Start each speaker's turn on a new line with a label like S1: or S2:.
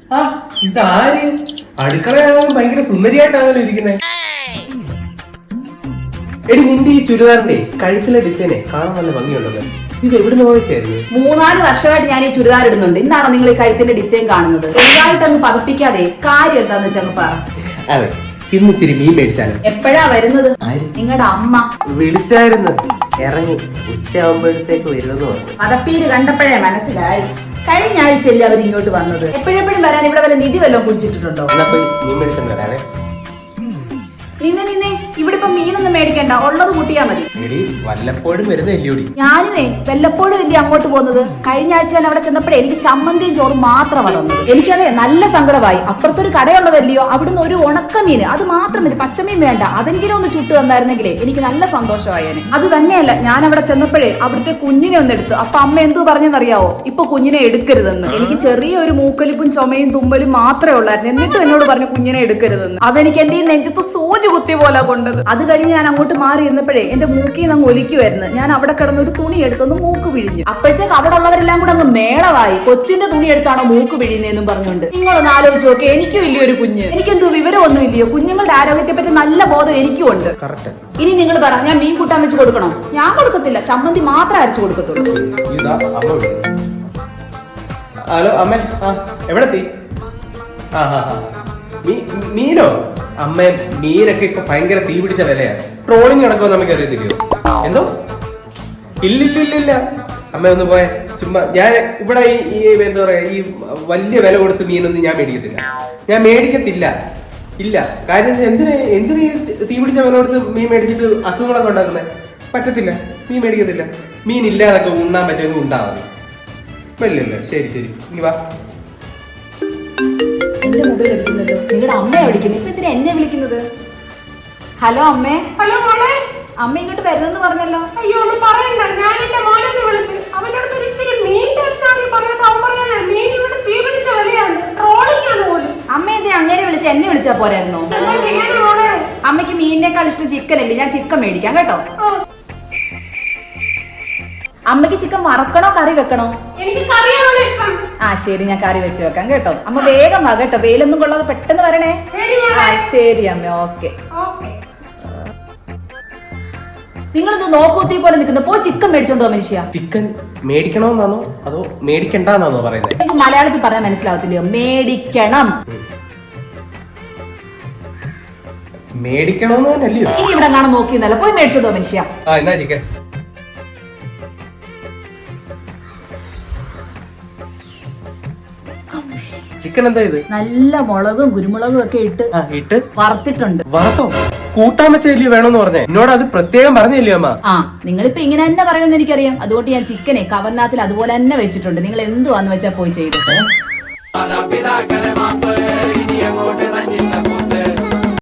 S1: ഇതാര് അടുക്കളയാണെങ്കിലും ഭയങ്കര സുന്ദരിയായിട്ടാണല്ലോ ഇരിക്കുന്നത്. എടി നിന്റെ ഈ ചുരിദാറിന്റെ കഴുത്തിലെ ഡിസൈനെ കാണാൻ നല്ല ഭംഗിയുണ്ടല്ലോ. ഇത് എവിടുന്ന് വാങ്ങിച്ചായിരുന്നു?
S2: 3-4 വർഷമായിട്ട് ഞാൻ ഈ ചുരിദാർ ഇടുന്നുണ്ട്. ഇന്നാണോ നിങ്ങൾ ഈ കഴുത്തിന്റെ ഡിസൈൻ കാണുന്നത്? എല്ലായിട്ടൊന്ന് പതിപ്പിക്കാതെ കാര്യം എന്താന്ന് വെച്ചാൽ പറ.
S1: അതെ, ഇന്ന് ഇച്ചിരി മീൻ മേടിച്ചാലും.
S2: എപ്പോഴാ വരുന്നത്? നിങ്ങളുടെ അമ്മ
S1: വിളിച്ചായിരുന്നു, ഇറങ്ങി ഉച്ചയാകുമ്പോഴത്തേക്ക് വരുമെന്ന് പറഞ്ഞു.
S2: മതപ്പീര് കണ്ടപ്പോഴേ മനസ്സിലായി. കഴിഞ്ഞ ആഴ്ചയല്ലേ അവർ ഇങ്ങോട്ട് വന്നത്. എപ്പോഴെപ്പോഴും വരാൻ ഇവിടെ വല്ല നിധി വല്ലതും കുടിച്ചിട്ടുണ്ടോ?
S1: മീൻ മേടിച്ചു വരാനേ.
S2: നിന്നെ ഇവിടെ ഇപ്പൊ മീനൊന്നും മേടിക്കണ്ട, ഉള്ളത് കൂട്ടിയാ മതി.
S1: വല്ലപ്പോഴും വരുന്നില്ലോടി.
S2: ഞാനുവേ വല്ലപ്പോഴും ഇല്ലേ അങ്ങോട്ട് പോകുന്നത്. കഴിഞ്ഞ ആഴ്ച അവിടെ ചെന്നപ്പോഴേ എനിക്ക് ചമ്മന്തിയും ചോറും മാത്രമാണ് തന്നത്. എനിക്കതെ നല്ല സങ്കടമായി. അപ്പുറത്തൊരു കടയുള്ളതല്ലയോ, അവിടുന്ന് ഒരു ഉണക്കമീൻ അത് മാത്രം മതി, പച്ചമീൻ വേണ്ട, അതെങ്കിലും ഒന്ന് ചുട്ട് തന്നായിരുന്നെങ്കിലേ എനിക്ക് നല്ല സന്തോഷമായേനെ. അത് തന്നെയല്ല, ഞാൻ അവിടെ ചെന്നപ്പോഴേ അവിടുത്തെ കുഞ്ഞിനെ ഒന്ന് എടുത്തു. അപ്പൊ അമ്മ എന്തു പറഞ്ഞെന്നറിയാവോ? ഇപ്പൊ കുഞ്ഞിനെ എടുക്കരുതെന്ന്. എനിക്ക് ചെറിയൊരു മൂക്കലിപ്പും ചുമയും തുമ്പലും മാത്രമേ ഉള്ളായിരുന്നു. എന്നിട്ടും എന്നോട് പറഞ്ഞു കുഞ്ഞിനെ എടുക്കരുതെന്ന്. അതെനിക്ക് എന്റെ നെഞ്ചത്ത് സൂചി കുത്തി പോലെ കൊണ്ടത്. അത് കഴിഞ്ഞ് ഞാൻ അങ്ങോട്ട് മാറി ഇരുന്നപ്പോഴേ എന്റെ മൂക്കിൽ നിന്ന് അങ്ങ് ഒലിക്കുമായിരുന്നു. ഞാൻ അവിടെ കിടന്ന് ഒരു തുണി എടുത്തൊന്ന് മൂക്ക് പിഴിഞ്ഞു. അപ്പോഴത്തേക്ക് അവിടെ ഉള്ളവരെല്ലാം കൂടെ അങ്ങ് മേളവായി. കൊച്ചിന്റെ തുണി എടുത്താണോ മൂക്ക് പിഴിയുന്നതെന്നും പറഞ്ഞുകൊണ്ട്. നിങ്ങളൊന്ന് ആലോചിച്ച് നോക്കി, എനിക്കും ഇല്ലയോ ഒരു കുഞ്ഞ്? എനിക്കെന്തോ വിവരമൊന്നും ഇല്ലയോ? കുഞ്ഞുങ്ങളുടെ ആരോഗ്യത്തെ പറ്റി നല്ല ബോധം എനിക്കും ഉണ്ട്. ഇനി നിങ്ങൾ പറ, ഞാൻ മീൻ കൂട്ടാൻ വെച്ച് കൊടുക്കണോ? ഞാൻ കൊടുക്കത്തില്ല, ചമ്മന്തി മാത്രമേ അരച്ചു കൊടുക്കത്തുള്ളൂ.
S1: ഹലോ അമ്മേ, എവിടെത്തി? മീനോ? അമ്മ മീനൊക്കെ ഇപ്പൊ ഭയങ്കര തീ പിടിച്ച വിലയാണ്. ട്രോളിങ് നടക്കുമോ നമുക്ക് അറിയത്തില്ലയോ? എന്തോ ഇല്ലില്ല അമ്മ ഒന്ന് പോയെ. ചുമ്മാ ഞാൻ ഇവിടെ ഈ എന്താ പറയാ, ഈ വലിയ വില കൊടുത്ത് മീനൊന്നും ഞാൻ മേടിക്കത്തില്ല. ഇല്ല, കാര്യം എന്തിനു തീ പിടിച്ച വില കൊടുത്ത് മീൻ മേടിച്ചിട്ട് അസുഖങ്ങളൊക്കെ ഉണ്ടാക്കുന്നത്? പറ്റത്തില്ല, മീൻ മേടിക്കത്തില്ല. മീൻ ഇല്ലാതൊക്കെ ഉണ്ണാൻ പറ്റുമെങ്കിൽ ഉണ്ടാവുന്നു. ഇല്ല, ശരി ഇനി വാ.
S2: എന്റെ മൊബൈൽ അടിക്കുന്നല്ലോ. നിങ്ങളുടെ അമ്മയെ വിളിക്കുന്നത്. ഇപ്പൊ എന്തിനാ എന്നെ വിളിക്കുന്നത്? ഹലോ അമ്മേ.
S3: ഹലോ മോളെ.
S2: അമ്മ ഇങ്ങോട്ട് വരുന്നെന്ന് പറഞ്ഞല്ലോ.
S3: അയ്യോ ഒന്നും പറയണ്ട, ഞാൻ എന്റെ മോനെ വിളിച്ചു. അവന്റെ അടുത്ത് ഇച്ചിരി മീൻ തരുന്നാണ് പറഞ്ഞത്. അവൻ പറയാ മീൻ ഇവിടെ തീ പിടിച്ച വിലയാണ്, ട്രോളിംഗ് ആണ് പോലും.
S2: അമ്മ എന്തേ അങ്ങനെ വിളിച്ച് എന്നെ വിളിച്ചാ പോരായിരുന്നോ? അമ്മയ്ക്ക് മീനിനേക്കാൾ ഇഷ്ടം ചിക്കൻ അല്ലേ? ഞാൻ ചിക്കൻ മേടിക്കാം കേട്ടോ. അമ്മയ്ക്ക് ചിക്കൻ വറക്കണോ കറി വെക്കണോ?
S3: എനിക്ക് കറിയാണ് ഇഷ്ടം.
S2: ശരി, ഞാൻ കറി വെച്ച് വെക്കാം കേട്ടോ. അമ്മ വേഗം വാ കേട്ടോ, വെയിലൊന്നും കൊള്ളാതെ പെട്ടെന്ന് വരണേ. ശരി അമ്മ, ഓക്കെ. നിങ്ങളിത് നോക്കൂത്തി പോലെ നിൽക്കുന്ന പോ, ചിക്കൻ മേടിച്ചോണ്ടോ മനുഷ്യ.
S1: ചിക്കൻ മേടിക്കണമെന്നാണോ അതോ മേടിക്കണ്ടെന്നാണോ പറയുന്നത്?
S2: എനിക്ക് മലയാളത്തിൽ പറയാൻ മനസ്സിലാവത്തില്ലയോ? മേടിക്കണം.
S1: മേടിക്കണമെന്ന് തന്നെയല്ലയോ?
S2: ഇനി ഇവിടെ കാണാൻ നോക്കിയെന്നല്ല, പോയി മേടിച്ചോണ്ടോ മനുഷ്യ.
S1: എന്നാ ചിക്കൻ. ചിക്കൻ എന്താ ഇത്?
S2: നല്ല മുളകും കുരുമുളകും ഒക്കെ ഇട്ട് വറുത്തിട്ടുണ്ട്.
S1: വറുത്തോ? കൂട്ടാൻ വെച്ചല്ലേ വേണമെന്ന് പറഞ്ഞേ. എന്നോട് അത് പ്രത്യേകം പറഞ്ഞില്ലേ അമ്മ?
S2: നിങ്ങളിപ്പോ ഇങ്ങനെ തന്നെ പറയുമെന്ന് എനിക്കറിയാം. അതുകൊണ്ട് ഞാൻ ചിക്കനെ കവറിനകത്തിൽ അതുപോലെ തന്നെ വെച്ചിട്ടുണ്ട്. നിങ്ങൾ എന്തുവാന്ന് വെച്ചാ പോയി ചെയ്തു.